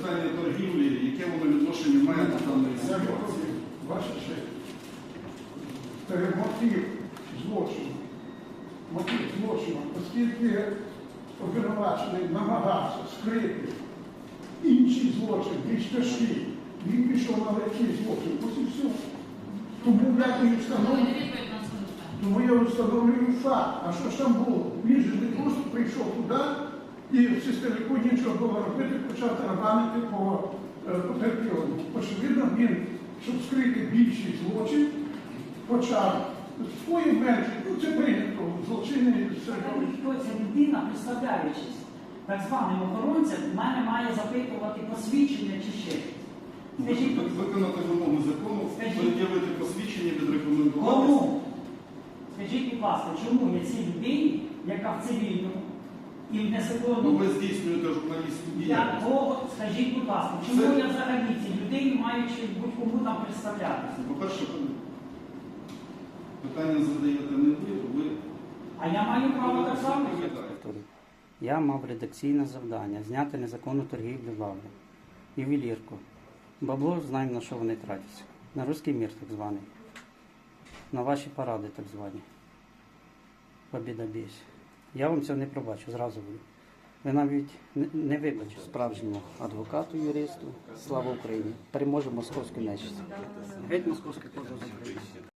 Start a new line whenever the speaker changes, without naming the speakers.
питання торгівлі, яке воно відношення має до даної ситуації?
Ваша честь. Мотив злочину, оскільки обвинувачений намагався скрити інший злочин, більш тяжкий, він пішов на легкий злочин, ось і все. Тому я встановлюю факт. А що ж там було? Він же не просто прийшов туди і в системіку нічого було робити, почав тарабанити по потерпілому. Очевидно, він, щоб скрити більший злочин, почав свої менші, це прийнято, злочинні середовища.
Хто ця людина, представляючись так званим охоронцем, в мене має запитувати посвідчення чи ще щось? Скажіть,
Виконати вимоги закону, пред'явити посвідчення, відрекомендувати.
кому? Скажіть, будь ласка, чому я цій людині, яка в цивільному і в
Ну,
незаконному...
ви здійснюєте журналістську діяльність.
Якого, скажіть, будь ласка, чому я взагалі цій людині маю чи будь-кому там представлятися?
По-перше, питання задаєте не ви.
А я маю право так само?
Я мав редакційне завдання зняти незаконну торгівлю лаври, ювелірку. Бабло знаємо, на що вони тратяться. На руський мір так званий. На ваші паради так звані. Побіда бійсь. Я вам цього не пробачу, зразу говорю. Ви навіть не вибачите справжньому адвокату, юристу. Слава Україні! Переможе московську нечисть. Геть московський позов з України.